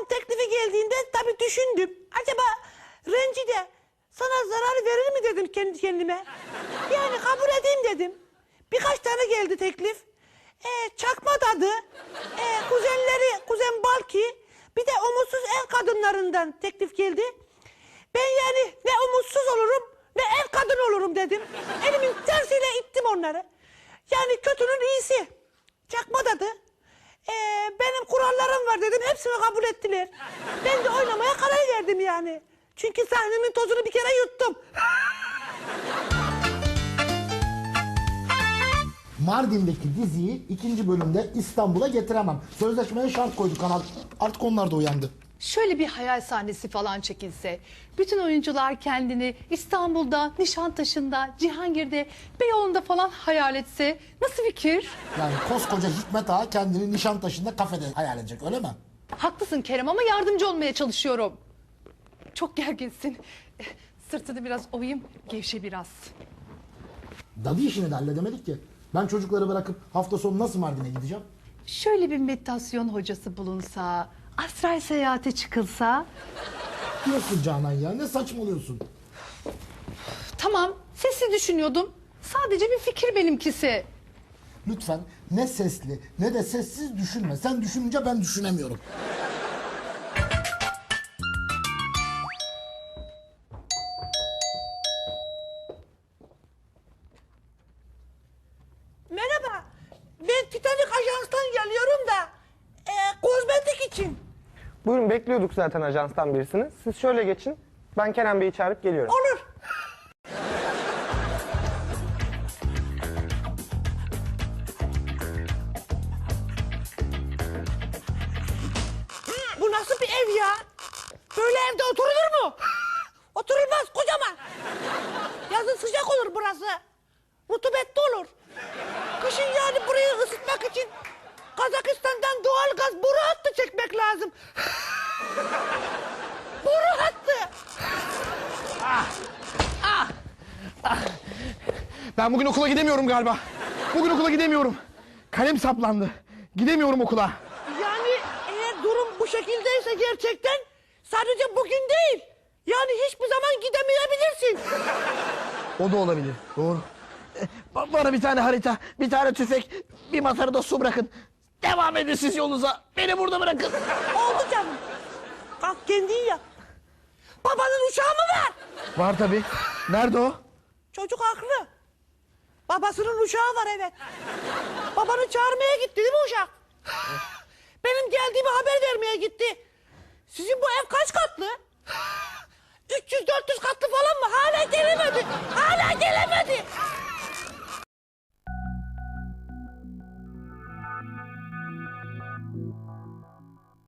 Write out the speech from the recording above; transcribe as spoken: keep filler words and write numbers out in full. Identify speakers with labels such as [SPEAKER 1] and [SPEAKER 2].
[SPEAKER 1] teklifi geldiğinde tabii düşündüm. Acaba rencide sana zarar verir mi dedim kendi kendime. Yani kabul edeyim dedim. Birkaç tane geldi teklif. Ee, çakma dadı, ee, kuzenleri, kuzen Balki, bir de umutsuz ev kadınlarından teklif geldi. Ben yani ne umutsuz olurum ne ev kadın olurum dedim. Elimin tersiyle ittim onları. Yani kötünün iyisi. Çakma dadı. Ee, benim kurallarım var dedim. Hepsini kabul ettiler. Ben de oynamaya karar verdim yani. Çünkü sahnemin tozunu bir kere yuttum.
[SPEAKER 2] Mardin'deki diziyi ikinci bölümde İstanbul'a getiremem. Sözleşmeye şart koydu kanal. Artık onlar da uyandı.
[SPEAKER 3] Şöyle bir hayal sahnesi falan çekilse, bütün oyuncular kendini İstanbul'da, Nişantaşı'nda, Cihangir'de, Beyoğlu'nda falan hayal etse nasıl fikir?
[SPEAKER 2] Yani koskoca Hikmet Ağa kendini Nişantaşı'nda kafede hayal edecek, öyle mi?
[SPEAKER 3] Haklısın Kerem ama yardımcı olmaya çalışıyorum. Çok gerginsin. Sırtını biraz ovayım, gevşe biraz.
[SPEAKER 2] Dadı işini de halledemedik ki. Ben çocukları bırakıp hafta sonu nasıl Mardin'e gideceğim?
[SPEAKER 3] Şöyle bir meditasyon hocası bulunsa, astral seyahate çıkılsa...
[SPEAKER 2] Diyorsun Canan ya, ne saçmalıyorsun?
[SPEAKER 3] Tamam, sessiz düşünüyordum. Sadece bir fikir benimkisi.
[SPEAKER 2] Lütfen ne sesli ne de sessiz düşünme. Sen düşününce ben düşünemiyorum.
[SPEAKER 1] Merhaba. Ben Titanic Ajans'tan geliyorum da e, kozmetik için.
[SPEAKER 4] Buyurun, bekliyorduk zaten ajanstan birisini. Siz şöyle geçin. Ben Kerem Bey'i çağırıp geliyorum.
[SPEAKER 1] Olur. Bu nasıl bir ev ya? Böyle evde oturulur mu? Oturulmaz, kocaman. Yazın sıcak olur burası. Rutubetli olur. Kışın yani burayı ısıtmak için Kazakistan'dan doğal gaz boru hattı çekmek lazım. Boru hattı.
[SPEAKER 5] Ben bugün okula gidemiyorum galiba. Bugün okula gidemiyorum. Kalem saplandı. Gidemiyorum okula.
[SPEAKER 1] Yani eğer durum bu şekildeyse gerçekten sadece bugün değil. Yani hiçbir zaman gidemeyebilirsin.
[SPEAKER 5] O da olabilir. Doğru. Eh, ba- Bana bir tane harita, bir tane tüfek, bir masada da su bırakın. Devam edin siz yolunuza. Beni burada bırakın.
[SPEAKER 1] Oldu canım. Kalk kendin yap. Babanın uçağı mı var?
[SPEAKER 5] Var tabii. Nerede o?
[SPEAKER 1] Çocuk haklı. Babasının uçağı var, evet. Babanı çağırmaya gitti değil mi uşak? Benim geldiğimi haber vermeye gitti. Sizin bu ev kaç katlı?